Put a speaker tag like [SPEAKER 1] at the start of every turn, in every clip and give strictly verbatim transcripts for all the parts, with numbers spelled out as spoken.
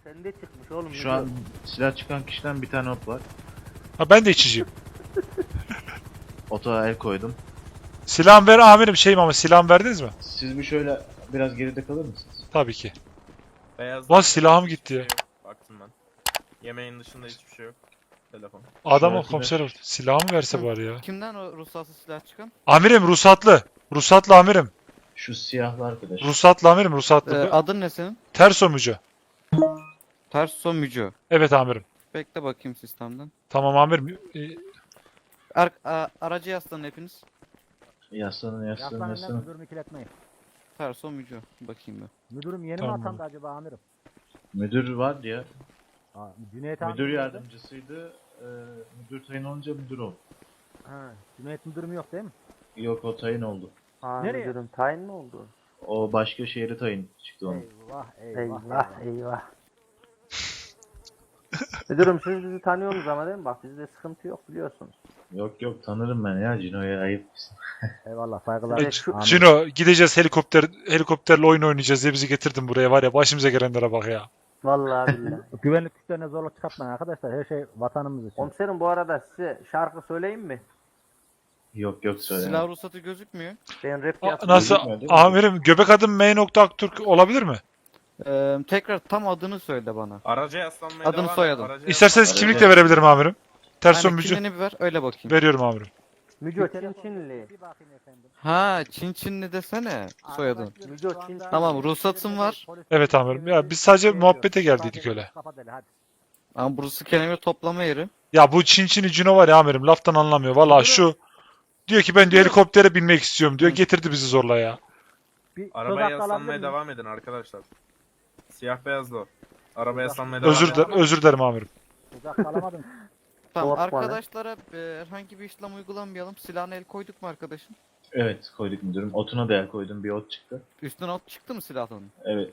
[SPEAKER 1] Sende çıkmış oğlum.
[SPEAKER 2] Şu an silah çıkan kişiden bir tane ot var.
[SPEAKER 3] Ha ben de içiciyim.
[SPEAKER 2] Ota el koydum.
[SPEAKER 3] Silahımı ver amirim şeyim ama silahımı verdiniz mi?
[SPEAKER 2] Siz bir şöyle biraz geride kalır mısınız?
[SPEAKER 3] Tabii ki.
[SPEAKER 4] Beyaz
[SPEAKER 3] Lan silahım gitti ya.
[SPEAKER 4] Yok, baktım ben. Yemeğin dışında hiçbir şey yok. Telefon.
[SPEAKER 3] Adama
[SPEAKER 2] Şöyle
[SPEAKER 3] komiserim silahımı verse bari ya.
[SPEAKER 5] Kimden o ruhsatsız silah çıkan?
[SPEAKER 3] Amirim ruhsatlı. Ruhsatlı amirim.
[SPEAKER 2] Şu siyahlı arkadaş.
[SPEAKER 3] Ruhsatlı amirim
[SPEAKER 5] Ee,
[SPEAKER 3] ruhsatlı.
[SPEAKER 5] adın ne senin?
[SPEAKER 3] Ters omucu.
[SPEAKER 5] Terso Mücü.
[SPEAKER 3] Evet amirim.
[SPEAKER 5] Bekle bakayım sistemden.
[SPEAKER 3] Tamam amirim. Ee,
[SPEAKER 5] Ar a aracı yaslanın hepiniz.
[SPEAKER 2] Yaslanın yaslanın
[SPEAKER 1] Yaslanın
[SPEAKER 2] yaslanın.
[SPEAKER 1] müdürümü ikiletmeyin.
[SPEAKER 5] Terso Mücü. Bakayım ben.
[SPEAKER 1] Müdürüm yeni
[SPEAKER 3] Tamam.
[SPEAKER 1] mi atandı acaba amirim?
[SPEAKER 2] Müdür var ya.
[SPEAKER 1] Ha, Cüneyt
[SPEAKER 2] Müdür
[SPEAKER 1] amirim
[SPEAKER 2] yardımcısıydı. E, müdür tayin olunca müdür oldu.
[SPEAKER 1] Ha, Cüneyt müdürüm yok değil mi?
[SPEAKER 2] Yok o tayin oldu.
[SPEAKER 6] Aa,
[SPEAKER 1] Nereye?
[SPEAKER 6] müdürüm tayin mi oldu?
[SPEAKER 2] O başka şehre tayin çıktı onun.
[SPEAKER 1] Eyvah eyvah.
[SPEAKER 6] Eyvah eyvah. Müdürüm siz bizi tanıyorsunuz ama değil mi? Bak bizde sıkıntı yok biliyorsunuz.
[SPEAKER 2] Yok yok tanırım ben ya Cino'ya ayıp.
[SPEAKER 1] Eyvallah saygılar.
[SPEAKER 3] e,
[SPEAKER 6] şu-
[SPEAKER 1] Amirim.
[SPEAKER 3] Cino gideceğiz helikopter helikopterle oyun oynayacağız diye bizi getirdin buraya var ya başımıza gelenlere bak ya.
[SPEAKER 6] Vallahi billahi.
[SPEAKER 1] Güvenlik güçlerine zorluk çıkartmayın arkadaşlar. Her şey vatanımız için.
[SPEAKER 6] Komiserim bu arada size şarkı söyleyeyim mi?
[SPEAKER 2] Yok yok söyle.
[SPEAKER 5] Silah ruhsatı gözükmüyor.
[SPEAKER 6] Ben rap
[SPEAKER 3] A-
[SPEAKER 6] yapıyorum.
[SPEAKER 3] Nasıl
[SPEAKER 2] Gözükmüyor değil mi?
[SPEAKER 3] amirim göbek adım M nokta Aktürk olabilir mi?
[SPEAKER 5] Ee, tekrar tam adını söyle bana.
[SPEAKER 4] Araca yaslanmaya
[SPEAKER 5] Adını
[SPEAKER 4] devam et,
[SPEAKER 5] soyadın.
[SPEAKER 4] araca
[SPEAKER 3] İsterseniz
[SPEAKER 2] Aracı-
[SPEAKER 3] kimlik de verebilirim amirim. Ters
[SPEAKER 5] Yani
[SPEAKER 3] omucu
[SPEAKER 5] kimliğini bir ver öyle bakayım.
[SPEAKER 3] veriyorum amirim.
[SPEAKER 6] Müco Çin Çinli.
[SPEAKER 1] Bir bakayım efendim.
[SPEAKER 5] Ha Çin Çinli desene soyadın.
[SPEAKER 6] Müco Çin.
[SPEAKER 5] Tamam, ruhsatım var.
[SPEAKER 3] Evet amirim. Ya biz sadece muhabbete geldiydik öyle.
[SPEAKER 1] Kapat hele hadi.
[SPEAKER 5] Ama burası kelime toplama yeri.
[SPEAKER 3] Ya bu Çin Çin'i Cino var ya amirim laftan anlamıyor. Valla şu diyor ki ben diyor helikoptere binmek istiyorum diyor. Getirdi bizi zorla ya.
[SPEAKER 1] Bir söz
[SPEAKER 4] Arabaya
[SPEAKER 1] hakkı alabilir
[SPEAKER 4] yaslanmaya
[SPEAKER 1] miyim?
[SPEAKER 4] devam edin arkadaşlar. Siyah beyazlı o. Arabaya yaslanmaya devam
[SPEAKER 3] Özür
[SPEAKER 4] edin.
[SPEAKER 3] dilerim, özür dilerim amirim.
[SPEAKER 1] Söz hakkı alamadım.
[SPEAKER 5] Tamam
[SPEAKER 6] Korkma lan.
[SPEAKER 5] arkadaşlara e, herhangi bir işlem uygulamayalım. Silahına el koyduk mu arkadaşın?
[SPEAKER 2] Evet koyduk müdürüm. Otuna da el koydum bir ot çıktı.
[SPEAKER 5] Üstüne ot çıktı mı silahın?
[SPEAKER 2] Evet.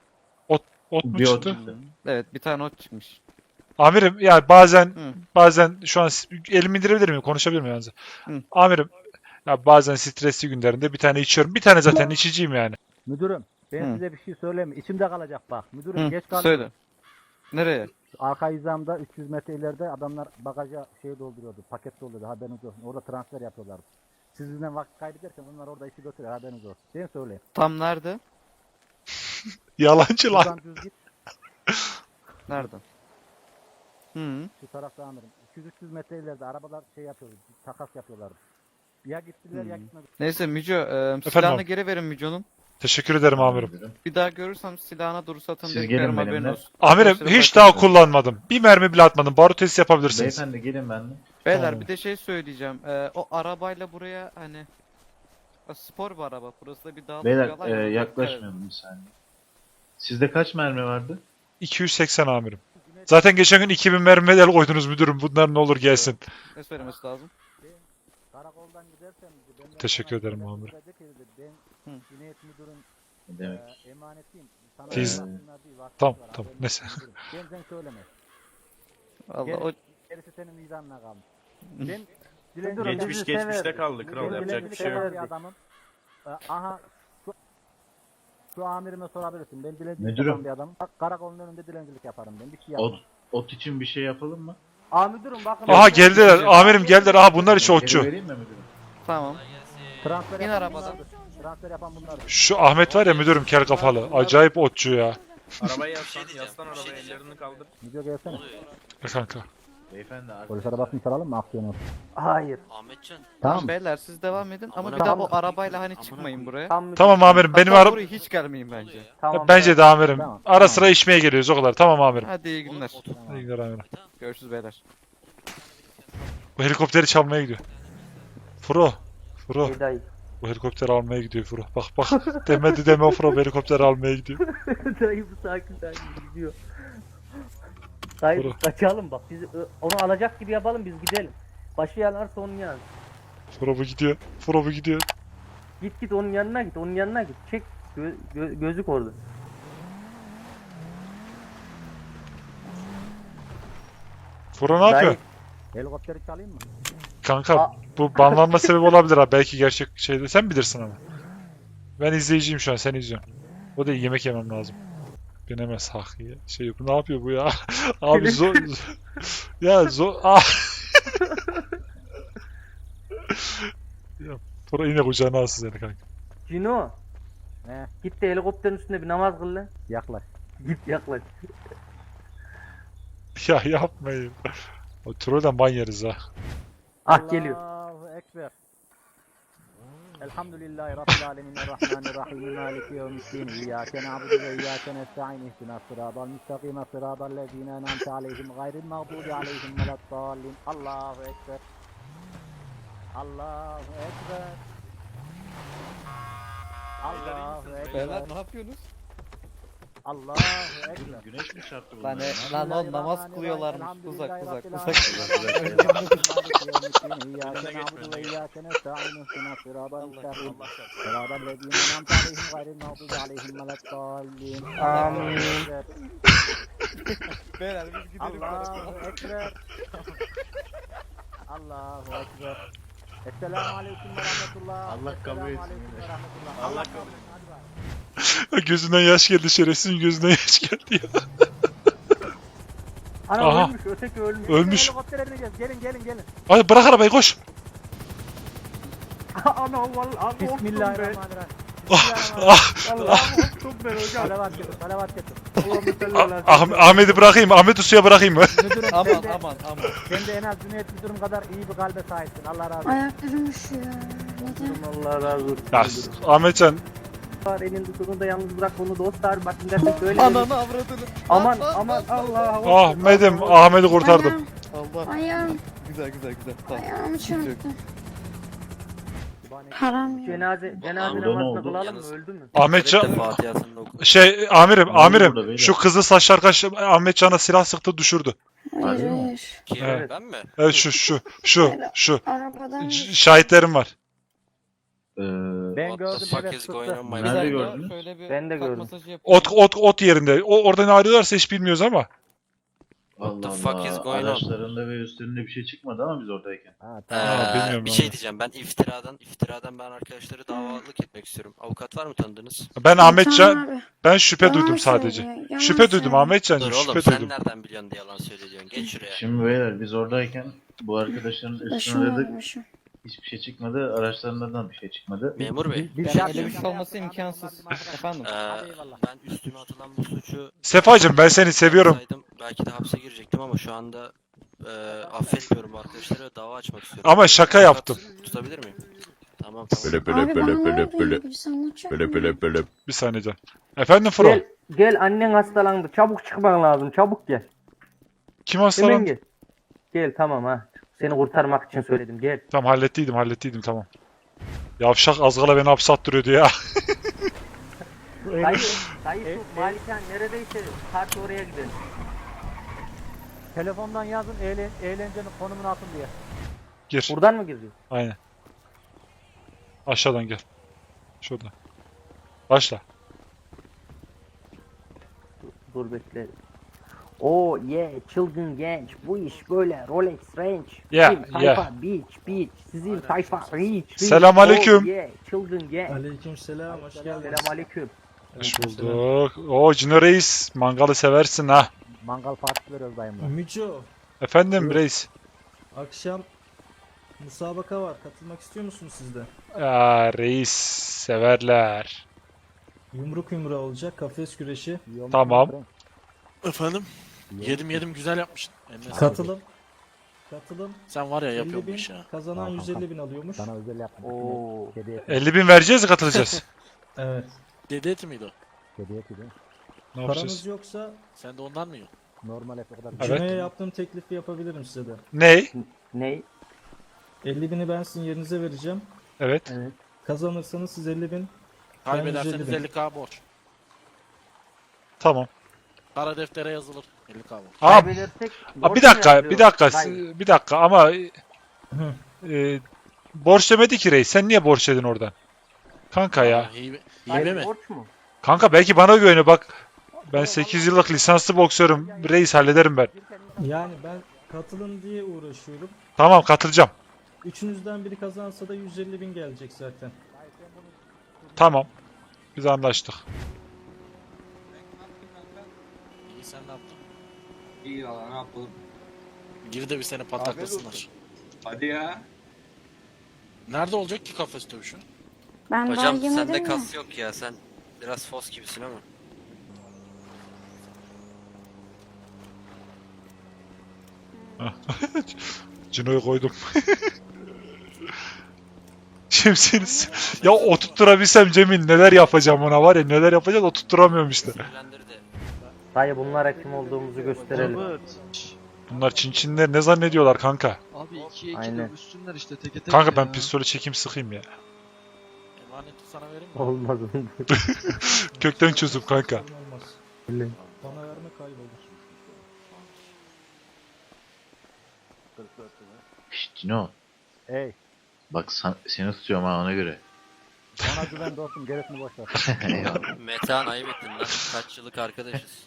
[SPEAKER 3] Ot mu
[SPEAKER 2] Bir ot
[SPEAKER 3] çıktı?
[SPEAKER 2] çıktı.
[SPEAKER 5] Evet bir tane ot çıkmış.
[SPEAKER 3] Amirim ya bazen
[SPEAKER 5] Hı.
[SPEAKER 3] bazen şu an s- elimi indirebilir miyim? Konuşabilir miyim yalnız?
[SPEAKER 5] Hı.
[SPEAKER 3] Amirim ya bazen stresli günlerinde bir tane içiyorum. Bir tane zaten içiciyim yani.
[SPEAKER 1] Müdürüm ben
[SPEAKER 5] Hı.
[SPEAKER 1] size bir şey söyleyeyim mi? İçimde kalacak bak. Müdürüm
[SPEAKER 5] Hı,
[SPEAKER 1] geç kaldım.
[SPEAKER 5] söyle. Nereye?
[SPEAKER 1] Arka hizamda üç yüz metre ileride adamlar bagaja şey dolduruyordu. Paket dolduruyordu haberiniz olsun. Orada transfer yapıyorlardı. Siz bizden vakit kaybederken onlar orada işi götürüyor haberiniz olsun. Değil mi söyleyeyim?
[SPEAKER 5] Tam nerede?
[SPEAKER 3] Yalancı lan.
[SPEAKER 1] Buradan düz git.
[SPEAKER 5] Nerede? Hı.
[SPEAKER 1] Şu tarafta amirim. iki yüz üç yüz metre ileride arabalar şey yapıyordu. Takas yapıyorlardı. Ya gittiler ya
[SPEAKER 5] Hı.
[SPEAKER 1] gitmediler.
[SPEAKER 5] Neyse Müco e, silahını
[SPEAKER 3] abi.
[SPEAKER 5] geri verin Müco'nun.
[SPEAKER 3] Teşekkür ederim amirim.
[SPEAKER 2] Müdürüm.
[SPEAKER 5] Bir daha görürsem silahına dur satın
[SPEAKER 2] Siz
[SPEAKER 5] beklerim
[SPEAKER 2] gelin
[SPEAKER 5] haberin
[SPEAKER 2] benimle.
[SPEAKER 5] olsun.
[SPEAKER 3] Amirim
[SPEAKER 5] Arkadaşlara
[SPEAKER 3] hiç
[SPEAKER 5] bakın.
[SPEAKER 3] daha kullanmadım. Bir mermi bile atmadım. Barut testi yapabilirsiniz.
[SPEAKER 2] Beyefendi gelin benimle.
[SPEAKER 5] Beyler
[SPEAKER 3] Tamam.
[SPEAKER 5] bir de şey söyleyeceğim. E, o arabayla buraya hani o spor bir araba. Burası da bir dağlık bir
[SPEAKER 2] Beyler
[SPEAKER 5] alan
[SPEAKER 2] e,
[SPEAKER 5] ya,
[SPEAKER 2] yaklaşmayalım bir saniye. Sizde kaç mermi vardı?
[SPEAKER 3] iki yüz seksen amirim. Zaten geçen gün iki bin mermi el koydunuz müdürüm. Bunlar ne olur gelsin.
[SPEAKER 5] Ne söylemesi lazım?
[SPEAKER 1] Karakoldan gidersen dedi, benden
[SPEAKER 3] Teşekkür
[SPEAKER 1] sonra
[SPEAKER 3] ederim
[SPEAKER 1] dedi,
[SPEAKER 3] amirim.
[SPEAKER 1] dedi ki dedi, Ben
[SPEAKER 5] Hı.
[SPEAKER 1] Cüneyt müdürün
[SPEAKER 2] Ne demek?
[SPEAKER 1] e, emanetiyim. Sana
[SPEAKER 3] Biz-
[SPEAKER 1] bıraksınlar diye vakti
[SPEAKER 3] Tamam,
[SPEAKER 1] var,
[SPEAKER 3] tamam,
[SPEAKER 1] haberin
[SPEAKER 3] neyse.
[SPEAKER 1] olsun müdürüm. Ben sen söyleme.
[SPEAKER 5] Allah
[SPEAKER 1] Gel-
[SPEAKER 5] o
[SPEAKER 1] Gerisi senin vicdanına kalmış. Ben
[SPEAKER 6] Müdürüm,
[SPEAKER 1] dilencilik
[SPEAKER 4] Geçmiş
[SPEAKER 6] bizi
[SPEAKER 4] geçmişte
[SPEAKER 6] severdi.
[SPEAKER 4] kaldı kral
[SPEAKER 1] ben
[SPEAKER 4] yapacak bir
[SPEAKER 1] dilencilik
[SPEAKER 4] şey yok.
[SPEAKER 1] yapan bir adamım. E, aha şu, şu amirime sorabilirsin. Ben dilencilik
[SPEAKER 2] Müdürüm.
[SPEAKER 1] yapan bir adamım. Bak, karakolun önünde dilencilik yaparım ben. Bir şey yapmam.
[SPEAKER 2] Ot, ot için bir şey yapalım mı?
[SPEAKER 6] Aa müdürüm bakın.
[SPEAKER 3] Aha geldiler. Amirim geldiler. Aha bunlar hiç
[SPEAKER 2] Geri
[SPEAKER 3] otçu.
[SPEAKER 2] vereyim mi müdürüm?
[SPEAKER 5] tamam.
[SPEAKER 1] Transfer
[SPEAKER 5] İn
[SPEAKER 1] yapan
[SPEAKER 5] arabadan.
[SPEAKER 1] bunlardır. Transfer yapan bunlardır.
[SPEAKER 3] Şu Ahmet var ya müdürüm kel kafalı. Acayip otçu ya.
[SPEAKER 4] Arabaya yaslan, yaslan arabaya ellerini kaldır.
[SPEAKER 1] Video gelsene.
[SPEAKER 3] E kanka.
[SPEAKER 2] Beyefendi
[SPEAKER 1] Polis
[SPEAKER 2] arkadaşlar.
[SPEAKER 1] arabasını çalalım mı aksiyon olsun?
[SPEAKER 6] Hayır.
[SPEAKER 7] Ahmetcan.
[SPEAKER 5] Tamam beyler siz devam edin ama
[SPEAKER 7] Amına
[SPEAKER 5] bir daha
[SPEAKER 6] koyayım.
[SPEAKER 5] o arabayla hani
[SPEAKER 7] Amına
[SPEAKER 5] çıkmayın
[SPEAKER 7] koyayım.
[SPEAKER 5] buraya.
[SPEAKER 6] Tam müdürüm.
[SPEAKER 3] Tamam amirim benim
[SPEAKER 5] Hatta
[SPEAKER 3] araba...
[SPEAKER 5] buraya hiç gelmeyin bence.
[SPEAKER 6] Tamam,
[SPEAKER 3] Bence de amirim.
[SPEAKER 1] Tamam.
[SPEAKER 3] Ara sıra içmeye geliyoruz o kadar. Tamam amirim.
[SPEAKER 5] Hadi iyi günler.
[SPEAKER 3] İyi günler amirim.
[SPEAKER 5] Görüşürüz beyler.
[SPEAKER 3] Bu helikopteri çalmaya gidiyor. Furo. Furo.
[SPEAKER 6] Ey dayı.
[SPEAKER 3] Bu helikopteri almaya gidiyor Furo. Bak bak. Demedi deme Furo bu helikopteri almaya gidiyor.
[SPEAKER 6] Dayı bu sakin sakin gidiyor. Dayı
[SPEAKER 3] Buyurun.
[SPEAKER 6] biz kaçalım bak. Biz ö, onu alacak gibi yapalım biz gidelim. Başı yanarsa onun yanına.
[SPEAKER 3] Furo bu gidiyor. Furo bu gidiyor.
[SPEAKER 6] Git git onun yanına git. Onun yanına git. Çek gö, gö, gözük orada.
[SPEAKER 3] Furo ne yapıyor?
[SPEAKER 6] Dayı,
[SPEAKER 1] Helikopteri çalayım mı?
[SPEAKER 3] Kanka
[SPEAKER 6] Aa.
[SPEAKER 3] bu banlanma sebebi olabilir ha. Belki gerçek şeyde. Sen bilirsin ama. Ben izleyiciyim şu an. Seni izliyorum. O değil yemek yemem lazım. Binemez hak ya. Şey bu ne yapıyor bu ya? Abi zor. Ya zor. Ah. Ya Tura yine kucağına alsın seni kanka.
[SPEAKER 6] Cino.
[SPEAKER 1] Ne?
[SPEAKER 6] Git de helikopterin üstünde bir namaz kıl lan.
[SPEAKER 1] Yaklaş.
[SPEAKER 6] Git yaklaş.
[SPEAKER 3] Ya yapmayın. O Tura'dan ban yeriz ha.
[SPEAKER 6] Ah geliyor.
[SPEAKER 1] Allahu Ekber. Elhamdülillahi Rabbil alemin Errahmanirrahim Maliki yevmiddin İyyâke na'budu ve iyyâke nesta'in ihdinas sıratal müstakîm sıratal lezîne en'amte aleyhim gayril mağdûbi aleyhim veleddâllin. Allahu Ekber. Allahu Ekber. Allahu
[SPEAKER 5] Beyler
[SPEAKER 1] Ekber.
[SPEAKER 5] ne yapıyorsunuz?
[SPEAKER 1] Allahu Ekber.
[SPEAKER 2] Güneş mi çarptı
[SPEAKER 5] Lan,
[SPEAKER 2] bunlara?
[SPEAKER 5] e, lan oğlum namaz kılıyorlarmış. Uzak uzak uzak.
[SPEAKER 6] Amin.
[SPEAKER 5] Beyler biz gidelim.
[SPEAKER 1] Allahu Ekber. Allahu Ekber. Esselamu Aleyküm ve Rahmetullah.
[SPEAKER 2] Allah kabul
[SPEAKER 1] Esselamu
[SPEAKER 2] etsin
[SPEAKER 1] Aleyküm ve
[SPEAKER 2] yine.
[SPEAKER 1] Rahmetullah.
[SPEAKER 2] Allah
[SPEAKER 1] kabul etsin. Hadi bakalım.
[SPEAKER 3] Gözünden yaş geldi şerefsizin gözünden yaş geldi ya.
[SPEAKER 6] Ana
[SPEAKER 3] Aha.
[SPEAKER 6] ölmüş, öteki ölmüş.
[SPEAKER 3] Ölmüş.
[SPEAKER 1] Helikoptere bineceğiz. Gelin gelin gelin.
[SPEAKER 3] Hadi bırak arabayı koş.
[SPEAKER 6] Ana vallahi
[SPEAKER 1] Bismillahirrahmanirrahim.
[SPEAKER 3] Ah,
[SPEAKER 6] Allah'ım korktum ben hocam.
[SPEAKER 1] Salavat getir. Salavat getir.
[SPEAKER 6] Allah'ım
[SPEAKER 3] Ah- Ahmet'i bırakayım. Ahmet'i suya bırakayım mı?
[SPEAKER 1] Müdürüm
[SPEAKER 5] Aman
[SPEAKER 1] sen de,
[SPEAKER 5] aman aman.
[SPEAKER 1] sen de en az Cüneyt Müdürüm kadar iyi bir kalbe sahipsin. Allah razı olsun.
[SPEAKER 7] Ayaklarım üşüyor. Neden?
[SPEAKER 6] Allah razı olsun.
[SPEAKER 3] Ya Ahmetcan
[SPEAKER 6] Var elinde sonunda yalnız bırak onu dostlar. Bakın derse şöyle.
[SPEAKER 5] Ananı avradını.
[SPEAKER 6] Aman
[SPEAKER 5] Lan, lan,
[SPEAKER 6] aman
[SPEAKER 5] lan, lan.
[SPEAKER 6] Allah.
[SPEAKER 3] Ahmet'im Ahmet'i kurtardım.
[SPEAKER 7] Ayağım,
[SPEAKER 5] Allah.
[SPEAKER 7] ayağım,
[SPEAKER 5] Güzel güzel güzel. Tamam.
[SPEAKER 7] ayağımı
[SPEAKER 5] Sıkıntı yok.
[SPEAKER 7] çarptı. Param yok.
[SPEAKER 6] Cenaze cenaze
[SPEAKER 2] Orada ne
[SPEAKER 6] namazını
[SPEAKER 2] oldu?
[SPEAKER 6] kılalım mı?
[SPEAKER 8] Yalnız-
[SPEAKER 6] Öldü mü?
[SPEAKER 3] Ahmetcan
[SPEAKER 8] Fatiha'sını oku.
[SPEAKER 3] şey amirim
[SPEAKER 2] oldu burada
[SPEAKER 3] amirim
[SPEAKER 2] beyler?
[SPEAKER 3] şu kızıl saçlı arkadaş Ahmetcan'a silah sıktı düşürdü.
[SPEAKER 7] Hayır
[SPEAKER 2] Harbi mi?
[SPEAKER 7] hayır.
[SPEAKER 8] Kim?
[SPEAKER 3] Evet.
[SPEAKER 8] Ben mi?
[SPEAKER 3] Evet şu şu şu şu
[SPEAKER 7] Arabadan
[SPEAKER 3] Ş- şahitlerim var.
[SPEAKER 2] Ee,
[SPEAKER 1] Ben
[SPEAKER 8] What the
[SPEAKER 1] gördüm
[SPEAKER 8] fuck
[SPEAKER 1] evet
[SPEAKER 8] is going
[SPEAKER 1] sıktı.
[SPEAKER 8] on my
[SPEAKER 5] Bir
[SPEAKER 2] Nerede
[SPEAKER 8] man?
[SPEAKER 5] dakika,
[SPEAKER 2] gördünüz?
[SPEAKER 5] şöyle bir
[SPEAKER 6] Ben de
[SPEAKER 5] kalp
[SPEAKER 6] gördüm.
[SPEAKER 5] masajı yapayım.
[SPEAKER 3] Ot ot ot yerinde. O oradan arıyorlarsa hiç bilmiyoruz ama.
[SPEAKER 2] Allah
[SPEAKER 8] the fuck is
[SPEAKER 2] Allah.
[SPEAKER 8] going on?
[SPEAKER 2] Araçlarında ve üstlerinde bir şey çıkmadı ama biz oradayken.
[SPEAKER 1] Ha,
[SPEAKER 8] Ee,
[SPEAKER 1] tamam.
[SPEAKER 3] Ha, bilmiyorum
[SPEAKER 8] bir
[SPEAKER 3] ama.
[SPEAKER 8] şey diyeceğim. Ben iftiradan, iftiradan ben arkadaşları davalık etmek istiyorum. Avukat var mı tanıdığınız?
[SPEAKER 3] Ben Ahmetcan
[SPEAKER 7] Tamam abi.
[SPEAKER 3] ben şüphe
[SPEAKER 7] Yalan
[SPEAKER 3] duydum sadece.
[SPEAKER 7] söylüyor, yalan
[SPEAKER 3] Şüphe duydum
[SPEAKER 7] söylüyor.
[SPEAKER 3] Ahmetcan'cığım
[SPEAKER 8] Dur oğlum
[SPEAKER 3] şüphe
[SPEAKER 8] sen
[SPEAKER 3] duydum.
[SPEAKER 8] nereden biliyorsun diye yalan söylüyorsun. Geç şuraya.
[SPEAKER 2] Şimdi beyler biz oradayken bu arkadaşların üstüne
[SPEAKER 7] Başım
[SPEAKER 2] aradık.
[SPEAKER 7] ağrımışım.
[SPEAKER 2] Hiçbir şey çıkmadı. Araçlarından bir şey çıkmadı.
[SPEAKER 8] Memur bey.
[SPEAKER 1] Bir- bir
[SPEAKER 5] Yani
[SPEAKER 1] şey
[SPEAKER 5] öyle bir şey
[SPEAKER 1] yapacağım.
[SPEAKER 5] olması imkansız. Efendim.
[SPEAKER 8] Ee,
[SPEAKER 1] Hadi eyvallah.
[SPEAKER 8] ben üstüme atılan bu suçu
[SPEAKER 3] Sefacığım ben seni seviyorum.
[SPEAKER 8] yapsaydım belki de hapse girecektim ama şu anda e, affetmiyorum bu arkadaşları ve dava açmak istiyorum.
[SPEAKER 3] Ama şaka
[SPEAKER 8] Avukat
[SPEAKER 3] yaptım.
[SPEAKER 8] Tutabilir miyim? Tamam tamam.
[SPEAKER 7] Abi bana ne oldu? Birisi anlatacak mı?
[SPEAKER 3] Bir saniye can. Efendim Fro.
[SPEAKER 6] Gel gel annen hastalandı. Çabuk çıkman lazım. Çabuk gel.
[SPEAKER 3] Kim
[SPEAKER 6] Hemen
[SPEAKER 3] hastalandı?
[SPEAKER 6] gel. Gel tamam ha. Seni kurtarmak için söyledim. Gel.
[SPEAKER 3] Tamam hallettiydim hallettiydim tamam. Yavşak az kala beni hapse attırıyordu ya.
[SPEAKER 6] Dayı, dayı
[SPEAKER 1] E-
[SPEAKER 6] şu malikan neredeyse parti oraya gidelim.
[SPEAKER 1] Telefondan yazın eğlen eğlencenin konumunu atın diye.
[SPEAKER 3] Gir.
[SPEAKER 6] Buradan mı gireceğiz?
[SPEAKER 3] Aynen. Aşağıdan gel. Şurada. Başla.
[SPEAKER 6] Dur bekle. Oo yeah çılgın genç. Bu iş böyle Rolex Range.
[SPEAKER 3] Yeah,
[SPEAKER 6] Bizim tayfa
[SPEAKER 3] yeah.
[SPEAKER 6] beach beach. Sizin tayfa reach. reach.
[SPEAKER 3] Selamünaleyküm.
[SPEAKER 6] Oh yeah çılgın genç.
[SPEAKER 9] Aleykümselam, hoş geldiniz.
[SPEAKER 6] Selamünaleyküm.
[SPEAKER 3] Hoş bulduk. Oo Cino Reis. Mangalı seversin ha.
[SPEAKER 1] Mangal partisi veriyoruz dayımla.
[SPEAKER 9] Müco,
[SPEAKER 3] Efendim
[SPEAKER 9] Buyur.
[SPEAKER 3] reis.
[SPEAKER 9] akşam musabaka var. Katılmak istiyor musunuz siz de?
[SPEAKER 3] Aa, reis severler.
[SPEAKER 9] Yumruk yumruğa olacak, kafes güreşi.
[SPEAKER 1] Yiyor musun
[SPEAKER 3] Tamam.
[SPEAKER 1] Frank?
[SPEAKER 10] Efendim?
[SPEAKER 1] Yiyor
[SPEAKER 10] Yedim
[SPEAKER 1] musun?
[SPEAKER 10] yedim güzel yapmışsın. Eline sağlık.
[SPEAKER 9] Katılım. Katılım.
[SPEAKER 10] Sen var ya
[SPEAKER 9] elli
[SPEAKER 10] yapıyorsun bu
[SPEAKER 9] bin,
[SPEAKER 10] işi ha.
[SPEAKER 9] kazanan
[SPEAKER 1] Tamam,
[SPEAKER 9] yüz elli bin alıyormuş.
[SPEAKER 1] Sana özel yaptım.
[SPEAKER 6] Oo.
[SPEAKER 1] Kedi eti.
[SPEAKER 3] elli bin vereceğiz katılacağız.
[SPEAKER 9] Evet.
[SPEAKER 10] Dede eti miydi o?
[SPEAKER 1] Kedi eti değil mi?
[SPEAKER 3] Ne yapacağız?
[SPEAKER 9] Paranız yoksa
[SPEAKER 10] Sen de ondan mı yiyorsun?
[SPEAKER 1] Normal et o kadar.
[SPEAKER 3] Evet.
[SPEAKER 9] Cino'ya yaptığım teklifi yapabilirim size de.
[SPEAKER 3] Ney?
[SPEAKER 6] Ney?
[SPEAKER 9] elli bini ben sizin yerinize vereceğim.
[SPEAKER 3] Evet.
[SPEAKER 6] Evet.
[SPEAKER 9] Kazanırsanız siz elli bin.
[SPEAKER 10] Kaybederseniz
[SPEAKER 9] yüz elli bin.
[SPEAKER 10] elli k borç.
[SPEAKER 3] Tamam.
[SPEAKER 10] Kara deftere yazılır. elli k borç.
[SPEAKER 3] Aa,
[SPEAKER 6] Kaybedersek
[SPEAKER 3] aa,
[SPEAKER 6] borç
[SPEAKER 3] bir
[SPEAKER 6] mu
[SPEAKER 3] dakika,
[SPEAKER 6] yazıyor?
[SPEAKER 3] bir dakika,
[SPEAKER 6] Dayı,
[SPEAKER 3] bir dakika ama
[SPEAKER 9] Hı.
[SPEAKER 3] e, borç demedi ki reis. Sen niye borç dedin oradan? Kanka ya.
[SPEAKER 10] Aa, Hibe, hibe
[SPEAKER 6] dayı
[SPEAKER 10] mi?
[SPEAKER 6] borç mu?
[SPEAKER 3] Kanka belki bana güveniyor bak. Ben sekiz yıllık lisanslı boksörüm. Reis hallederim ben.
[SPEAKER 9] Yani ben katılın diye uğraşıyorum.
[SPEAKER 3] Tamam katılacağım.
[SPEAKER 9] Üçünüzden biri kazansa da yüz elli bin gelecek zaten.
[SPEAKER 3] Tamam. Biz anlaştık.
[SPEAKER 10] İyi sen ne yaptın?
[SPEAKER 11] İyi valla ne yapalım.
[SPEAKER 10] Gir de bir seni pataklasınlar.
[SPEAKER 11] Hadi ya.
[SPEAKER 10] Nerede olacak ki kafes dövüşü?
[SPEAKER 7] Ben daha
[SPEAKER 8] Hocam
[SPEAKER 7] yemedim
[SPEAKER 8] sende
[SPEAKER 7] mi?
[SPEAKER 8] kas yok ya, sen biraz fos gibisin ama.
[SPEAKER 3] Cino'yu koydum. Şemsiniz. Ya oturtturabilsem Cemil neler yapacağım ona var ya, neler yapacağız, oturtturamıyorum işte.
[SPEAKER 8] Sinirlendirdi.
[SPEAKER 6] Dayı bunlara kim olduğumuzu gösterelim.
[SPEAKER 3] Bunlar Çinçinler ne zannediyorlar kanka?
[SPEAKER 11] Abi ikiye iki
[SPEAKER 6] Aynen.
[SPEAKER 11] dövüşsünler işte teke tek
[SPEAKER 3] Kanka
[SPEAKER 11] ya.
[SPEAKER 3] ben pistolü çekeyim sıkayım ya.
[SPEAKER 10] Emaneti sana vereyim mi?
[SPEAKER 6] Olmaz.
[SPEAKER 3] Kökten çözüm kanka.
[SPEAKER 9] Olmaz.
[SPEAKER 6] Öyle.
[SPEAKER 9] Bana verme kaybolur.
[SPEAKER 2] Şşt Cino.
[SPEAKER 1] Ey,
[SPEAKER 2] Bak san- seni tutuyorum ha ona göre.
[SPEAKER 1] bana güven dostum, gerisini boş ver.
[SPEAKER 2] Eyvallah.
[SPEAKER 8] Metehan ayıp ettin lan. Kaç yıllık arkadaşız.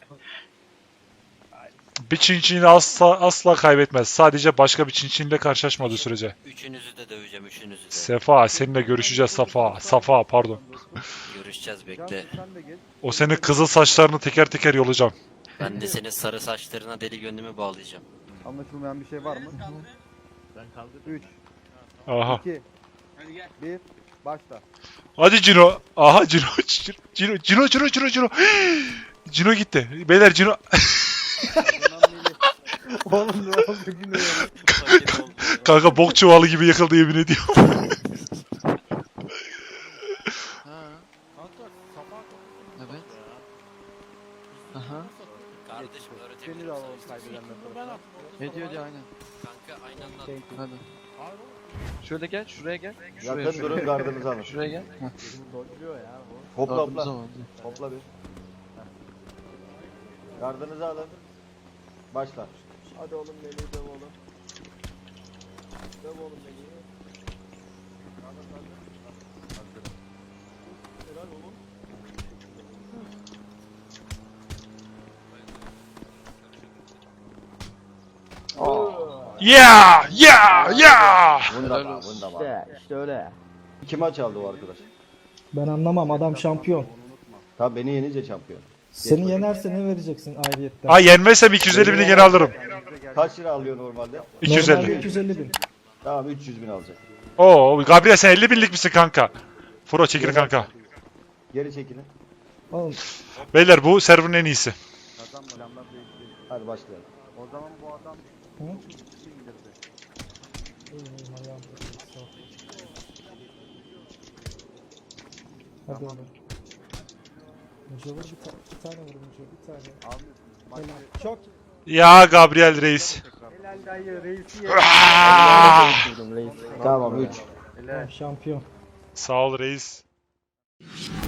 [SPEAKER 3] Bir Çinçin'i asla, asla kaybetmez. Sadece başka bir Çinçin'le karşılaşmadığı sürece.
[SPEAKER 8] Üçünüzü de döveceğim, üçünüzü de.
[SPEAKER 3] Sefa, seninle görüşeceğiz Safa. Safa pardon.
[SPEAKER 8] Görüşeceğiz, bekle.
[SPEAKER 3] O senin kızıl saçlarını teker teker yolacağım.
[SPEAKER 8] Ben de senin sarı saçlarına deli gönlümü bağlayacağım.
[SPEAKER 1] Anlaşılmayan bir şey var mı? üç,
[SPEAKER 3] Aha.
[SPEAKER 1] iki, bir, başla.
[SPEAKER 3] Hadi Cino. Aha Cino. Cino, Cino, Cino, Cino, Cino. Cino gitti. Beyler Cino.
[SPEAKER 1] Oğlum ne oldu yine ya?
[SPEAKER 8] Paket oldu.
[SPEAKER 3] Kanka bok çuvalı gibi yıkıldı yemin ediyorum.
[SPEAKER 11] Ha,
[SPEAKER 10] Kanka sabah
[SPEAKER 11] evet. Aha.
[SPEAKER 8] Kardeşim öğretebilir
[SPEAKER 1] Seni de
[SPEAKER 8] miyim
[SPEAKER 1] alalım
[SPEAKER 8] sana?
[SPEAKER 1] kaybedenler
[SPEAKER 10] ben
[SPEAKER 1] tarafından.
[SPEAKER 10] attım.
[SPEAKER 11] Ne diyor diyor aynen.
[SPEAKER 8] Kanka aynı anda
[SPEAKER 1] Thank you.
[SPEAKER 11] Hadi.
[SPEAKER 10] Hayır oğlum.
[SPEAKER 11] Şöyle gel, şuraya gel. Şuraya,
[SPEAKER 12] Yakın
[SPEAKER 11] şuraya.
[SPEAKER 12] durun gardınızı alın.
[SPEAKER 11] Şuraya gel. Heh.
[SPEAKER 1] Dolduruyor ya bu.
[SPEAKER 12] Hopla
[SPEAKER 11] Gardımızı
[SPEAKER 12] hopla.
[SPEAKER 11] al.
[SPEAKER 12] Hopla bir. Gardınızı alın. Başla. Hadi oğlum Melih'i döv oğlum. Döv oğlum Melih'i. Helal oğlum.
[SPEAKER 3] Yeah! Yeah! Yeah!
[SPEAKER 12] Wunderbar, wunderbar.
[SPEAKER 6] İşte, işte öyle.
[SPEAKER 12] İki maç aldı o arkadaş.
[SPEAKER 9] Ben anlamam, adam şampiyon.
[SPEAKER 12] Tabi beni yenince şampiyon.
[SPEAKER 9] Seni yenerse ne vereceksin ayrıyetten?
[SPEAKER 3] Ha yenmezsem iki yüz elli bini geri alırım.
[SPEAKER 12] Kaç lira alıyor normalde?
[SPEAKER 3] iki yüz
[SPEAKER 9] Normalde
[SPEAKER 3] elli.
[SPEAKER 9] iki yüz elli bin.
[SPEAKER 12] Tamam üç yüz bin alacak.
[SPEAKER 3] Oo, Gabriel sen elli binlik misin kanka? Furo çekil kanka.
[SPEAKER 12] Geri çekilin.
[SPEAKER 9] Oğlum
[SPEAKER 3] Beyler bu server'ın en iyisi.
[SPEAKER 12] Hadi başlayalım.
[SPEAKER 1] O zaman bu adam
[SPEAKER 9] Hı?
[SPEAKER 1] indirdi.
[SPEAKER 9] Benim ayağım sağ ol. Hadi oğlum. Müce vur bir, ta bir tane vur Müce, bir tane.
[SPEAKER 1] Abi
[SPEAKER 9] Helal. Çok
[SPEAKER 3] Ya Gabriel reis.
[SPEAKER 1] helal dayı reisi ye.
[SPEAKER 3] Ah!
[SPEAKER 12] Tamam üç.
[SPEAKER 9] tamam, şampiyon.
[SPEAKER 3] Sağ ol reis.